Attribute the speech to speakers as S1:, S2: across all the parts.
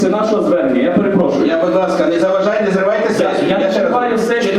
S1: Це нашого звернення, я перепрошую.
S2: Я, будь ласка, не заважайте, не зривайте сесію.
S1: Я не чекаю сесію,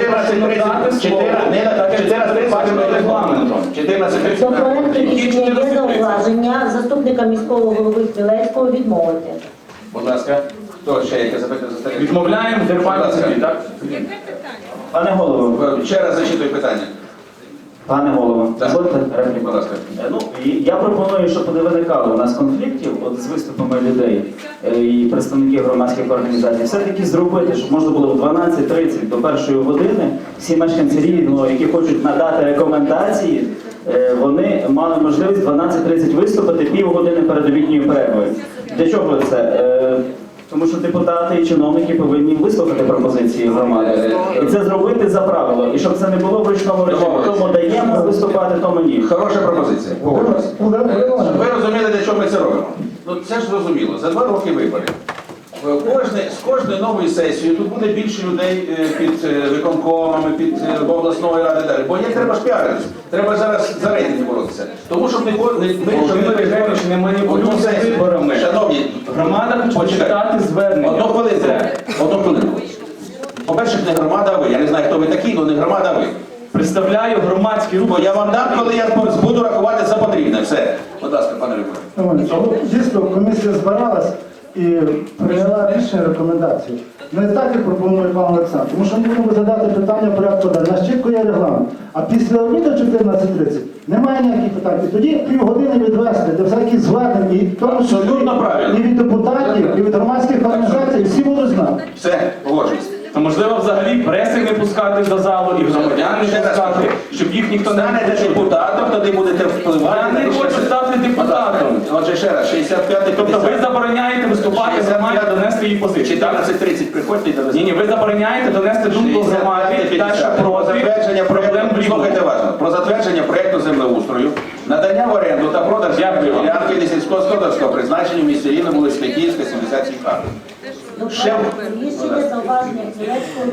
S2: 14:30.
S3: До проекту рішення є зауваження заступника міського голови Хмілецького відмовити.
S2: Будь ласка, хто ще яке запитання заставить?
S1: Відмовляємо зірвати собі, так?
S4: Пане голово,
S2: Ще раз зачитую питання.
S4: пане голово,
S2: Так.
S4: дозвольте репліку.
S2: Будь ласка.
S4: Ну, я пропоную, щоб не виникало у нас конфліктів от, з виступами людей і представників громадських організацій, все-таки зробити, щоб можна було в 12:30 до 1 години всі мешканці Рівного, які хочуть надати рекомендації, вони мали можливість в 12:30 виступити півгодини перед обідньою перервою. Для чого це? Тому що депутати і чиновники повинні вислухати пропозиції громади. І це зробити за правило. І щоб це не було в ручному режимі. Тому даємо виступати, тому ні.
S2: Хороша пропозиція. Погоджуюсь. Ви розуміли, для чого ми це робимо? Ну це ж зрозуміло. За 2 роки виборів. З кожною новою сесією тут буде більше людей під виконкомами, під обласною ради далі. Бо є треба ж піаритися. Треба зараз за рейтинги боротися. Тому щоб не
S1: Володимир Євгенович, не маніпулюйте виборами.
S2: Шановні,
S1: Громада хоче читати звернення.
S2: Одну хвилинку. По-перше, не громада, а ви. Я не знаю, хто ви такі, але не громада, а ви.
S1: Представляю громадський рух.
S2: Бо я вам дам, коли я буду рахувати за потрібне. Все. Будь ласка, пане Рибко.
S5: Дійсно, комісія збиралась і прийняла рішення, рекомендацію. Не так, як пропонує пан Олександр, тому що ми будемо задати питання в порядку денного. У нас чітко є регламент. А після обіду 14:30 немає ніяких питань. І тоді півгодини відвести до всяких звернень, і в тому числі
S2: Абсолютно правильно.
S5: і від депутатів, і від громадських організацій, всі будуть знати.
S2: Все, погоджуюсь.
S1: То можливо взагалі преси не пускати до залу і громадян не пускати, щоб їх ніхто не
S2: Станете
S1: почув.
S2: депутатом, тоді будете впливати.
S1: Я не хочу стати депутатом.
S2: Отже, ще раз, 65-й,
S1: Тобто ви забороняєте виступати громаді, донести її позицію.
S2: 14:30 приходьте і довезете.
S1: Ні, ви забороняєте донести думку громаді та що
S2: Про затвердження
S1: проти проблем
S2: проєкту,
S1: в Рівному.
S2: слухайте уважно, про затвердження проєкту землеустрою, надання в оренду та продаж
S1: Дякую вам.
S2: ділянки сільськогосподарського призначення в місті Рівному, вулиця Київська, 77 га.
S3: До проекту рішення зауваження Хмілецького